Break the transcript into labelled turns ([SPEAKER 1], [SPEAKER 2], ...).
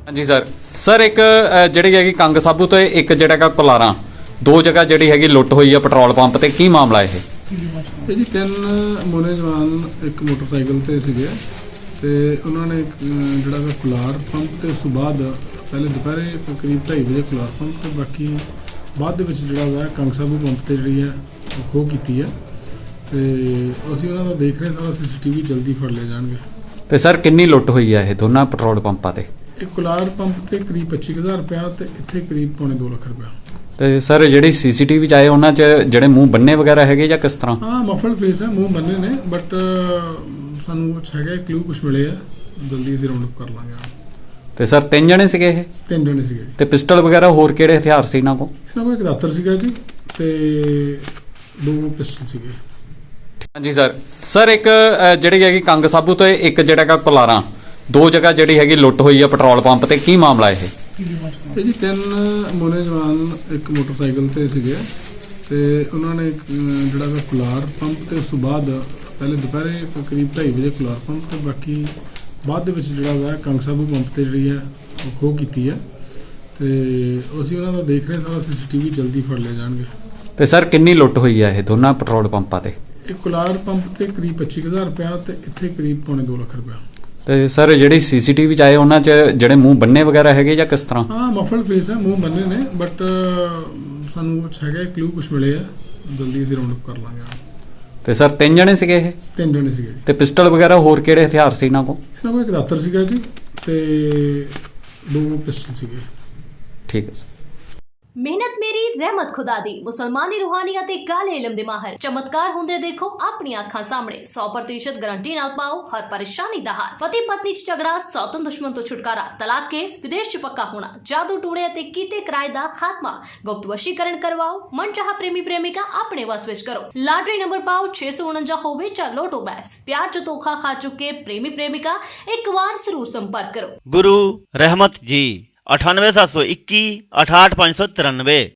[SPEAKER 1] ਹਾਂਜੀ ਸਰ ਇੱਕ ਜਿਹੜੀ ਹੈਗੀ ਕੰਗ ਸਾਬੂ ਤੇ ਇੱਕ ਜਿਹੜਾ ਹੈਗਾ ਕੁਲਾਰਾਂ ਦੋ ਜਗ੍ਹਾ ਜਿਹੜੀ ਹੈਗੀ ਲੁੱਟ ਹੋਈ ਆ ਪੈਟਰੋਲ ਪੰਪ ਤੇ ਕੀ ਮਾਮਲਾ ਇਹ
[SPEAKER 2] ਇਹ ਜੀ ਤਿੰਨ ਮੋਨੇ ਜਵਾਨ ਇੱਕ ਮੋਟਰਸਾਈਕਲ ਤੇ ਸੀਗੇ ਤੇ ਉਹਨਾਂ ਨੇ ਜਿਹੜਾ ਵਾ ਕੁਲਾਰ ਪੰਪ ਤੇ ਉਸ ਤੋਂ ਬਾਅਦ ਪਹਿਲੇ ਦੁਪਹਿਰੇ ਕਰੀਬ 2:30 ਵਜੇ ਕੁਲਾਰ ਪੰਪ ਤੇ ਬਾਕੀ ਬਾਅਦ ਦੇ ਵਿੱਚ ਜਿਹੜਾ ਵਾ ਕੰਗ ਸਾਬੂ ਪੰਪ ਤੇ ਜਿਹੜੀ ਹੈ ਉਹ ਖੋਹ ਕੀਤੀ ਹੈ ਤੇ ਅਸੀਂ ਉਹਨਾਂ ਦਾ ਦੇਖ ਰਹੇ ਸਾਰਾ ਸੀਸੀਟੀਵੀ ਜਲਦੀ ਫੜ ਲਏ ਜਾਣਗੇ।
[SPEAKER 1] ਤੇ ਸਰ ਕਿੰਨੀ ਲੁੱਟ ਹੋਈ ਆ ਇਹ ਦੋਨਾਂ ਪੈਟਰੋਲ ਪੰਪਾਂ ਤੇ?
[SPEAKER 2] ਇਹ ਕੁਲਾਰ ਪੰਪ ਤੇ ਕਰੀਬ 25,000 ਰੁਪਇਆ ਤੇ ਇੱਥੇ ਕਰੀਬ ਪੌਣੇ 2 ਲੱਖ ਰੁਪਇਆ।
[SPEAKER 1] ਤੇ ਸਰ ਜਿਹੜੀ ਸੀਸੀਟੀਵੀ ਚ ਆਏ ਉਹਨਾਂ ਚ ਜਿਹੜੇ ਮੂੰਹ ਬੰਨੇ ਵਗੈਰਾ ਹੈਗੇ ਜਾਂ ਕਿਸ ਤਰ੍ਹਾਂ?
[SPEAKER 2] ਹਾਂ ਮਫਲਡ ਫੇਸ ਹੈ, ਮੂੰਹ ਬੰਨੇ ਨੇ ਬਟ ਸਾਨੂੰ ਕੁਛ ਹੈਗਾ ਕਲੂ ਕੁਛ ਮਿਲੇ ਆ, ਜਲਦੀ ਅਸੀਂ ਰਾਉਂਡ ਅਪ ਕਰ ਲਾਂਗੇ।
[SPEAKER 1] ਤੇ ਸਰ ਤਿੰਨ ਜਣੇ ਸੀਗੇ ਇਹ?
[SPEAKER 2] ਤਿੰਨ ਜਣੇ ਸੀਗੇ।
[SPEAKER 1] ਤੇ ਪਿਸਟਲ ਵਗੈਰਾ ਹੋਰ ਕਿਹੜੇ ਹਥਿਆਰ ਸੀ ਇਹਨਾਂ ਕੋਲ?
[SPEAKER 2] ਇਹਨਾਂ ਕੋਲ ਇੱਕ ਦਾਤਰ ਸੀਗਾ ਜੀ ਤੇ 2 ਪਿਸਟਲ ਸੀਗੇ।
[SPEAKER 1] ਹਾਂਜੀ ਸਰ ਇੱਕ ਜਿਹੜੀ ਹੈਗੀ ਕੰਗ ਸਾਬੂ ਤੇ ਇੱਕ ਜਿਹੜਾ ਹੈਗਾ ਕੁਲਾਰਾਂ ਦੋ ਜਗ੍ਹਾ ਜਿਹੜੀ ਹੈਗੀ ਲੁੱਟ ਹੋਈ ਆ ਪੈਟਰੋਲ ਪੰਪ ਤੇ ਕੀ ਮਾਮਲਾ ਇਹ
[SPEAKER 2] ਇਹ ਜੀ ਤਿੰਨ ਮੋਨੇ ਜਵਾਨ ਇੱਕ ਮੋਟਰਸਾਈਕਲ ਤੇ ਸੀਗੇ ਤੇ ਉਹਨਾਂ ਨੇ ਜਿਹੜਾ ਵਾ ਕੁਲਾਰ ਪੰਪ ਤੇ ਉਸ ਤੋਂ ਬਾਅਦ ਪਹਿਲੇ ਦੁਪਹਿਰੇ ਕਰੀਬ 2:30 ਵਜੇ ਕੁਲਾਰ ਪੰਪ ਤੇ ਬਾਕੀ ਬਾਅਦ ਦੇ ਵਿੱਚ ਜਿਹੜਾ ਵਾ ਕੰਗ ਸਾਬੂ ਪੰਪ ਤੇ ਜਿਹੜੀ ਹੈ ਉਹ ਖੋਹ ਕੀਤੀ ਹੈ ਤੇ ਅਸੀਂ ਉਹਨਾਂ ਦਾ ਦੇਖ ਰਹੇ ਸਾਰਾ ਸੀਸੀਟੀਵੀ ਜਲਦੀ ਫੜ ਲਏ ਜਾਣਗੇ।
[SPEAKER 1] ਤੇ ਸਰ ਕਿੰਨੀ ਲੁੱਟ ਹੋਈ ਆ ਇਹ ਦੋਨਾਂ ਪੈਟਰੋਲ ਪੰਪਾਂ ਤੇ?
[SPEAKER 2] ਇਹ ਕੁਲਾਰ ਪੰਪ ਤੇ ਕਰੀਬ 25,000 ਰੁਪਇਆ ਤੇ ਇੱਥੇ ਕਰੀਬ ਪੌਣੇ 2 ਲੱਖ ਰੁਪਇਆ।
[SPEAKER 1] ਤੇ ਸਰ ਜਿਹੜੀ ਸੀਸੀਟੀਵੀ ਚ ਆਏ ਉਹਨਾਂ ਚ ਜਿਹੜੇ ਮੂੰਹ ਬੰਨੇ ਵਗੈਰਾ ਹੈਗੇ ਜਾਂ ਕਿਸ ਤਰ੍ਹਾਂ?
[SPEAKER 2] ਹਾਂ ਮਫਲਡ ਫੇਸ ਹੈ, ਮੂੰਹ ਬੰਨੇ ਨੇ ਬਟ ਸਾਨੂੰ ਕੁਛ ਹੈਗਾ ਕਲੂ ਕੁਛ ਮਿਲੇ ਆ, ਜਲਦੀ ਅਸੀਂ ਰਾਉਂਡ ਅਪ ਕਰ ਲਾਂਗੇ।
[SPEAKER 1] ਤੇ ਸਰ ਤਿੰਨ ਜਣੇ ਸੀਗੇ ਇਹ?
[SPEAKER 2] ਤਿੰਨ ਜਣੇ ਸੀਗੇ।
[SPEAKER 1] ਤੇ ਪਿਸਟਲ ਵਗੈਰਾ ਹੋਰ ਕਿਹੜੇ ਹਥਿਆਰ ਸੀ ਇਹਨਾਂ ਕੋਲ?
[SPEAKER 2] ਇਹਨਾਂ ਕੋਲ ਇੱਕ ਦਾਤਰ ਸੀਗਾ ਜੀ ਤੇ 2 ਪਿਸਟਲ ਸੀਗੇ।
[SPEAKER 1] ਠੀਕ ਹੈ ਸਰ।
[SPEAKER 3] ਮਿਹਨਤ ਮੇਰੀ ਰਹਿਮਤ ਖੁਦਾ ਦੀ ਮੁਸਲਮਾਨੀ ਰੂਹਾਨੀ ਅਤੇ ਕਾਲੇ ਇਲਮ ਦੇ ਮਾਹਰ ਚਮਤਕਾਰ ਹੁੰਦੇ ਦੇਖੋ ਆਪਣੀਆਂ ਅੱਖਾਂ ਸਾਹਮਣੇ 100% ਗਾਰੰਟੀ ਨਾਲ ਪਾਓ ਹਰ ਪਰੇਸ਼ਾਨੀ ਦਾ ਹੱਲ। ਪਤੀ ਪਤਨੀ ਚ ਝਗੜਾ, ਸੌਤਨ ਦੁਸ਼ਮਣ ਤੋਂ ਛੁਟਕਾਰਾ, ਤਲਾਕ ਕੇਸ, ਵਿਦੇਸ਼ ਚ ਪੱਕਾ ਹੋਣਾ, ਜਾਦੂ ਟੂਣੇ ਅਤੇ ਕੀਤੇ ਕਿਰਾਏ ਦਾ ਖਾਤਮਾ, ਗੁਪਤ ਵਸ਼ੀਕਰਨ ਕਰਵਾਓ, ਮਨਚਾਹਾ ਪ੍ਰੇਮੀ ਪ੍ਰੇਮਿਕਾ ਆਪਣੇ ਵਸ ਵਿੱਚ ਕਰੋ। ਲਾਟਰੀ ਨੰਬਰ ਪਾਓ 649 ਹੋਵੇ ਜਾਂ ਲੋਟੋ ਬੈਗਸ। ਪਿਆਰ ਚ ਧੋਖਾ ਖਾ ਚੁੱਕੇ ਪ੍ਰੇਮੀ ਪ੍ਰੇਮਿਕਾ ਇੱਕ ਵਾਰ ਜ਼ਰੂਰ ਸੰਪਰਕ ਕਰੋ।
[SPEAKER 4] गुरु रहमत जी 98 721 68 593।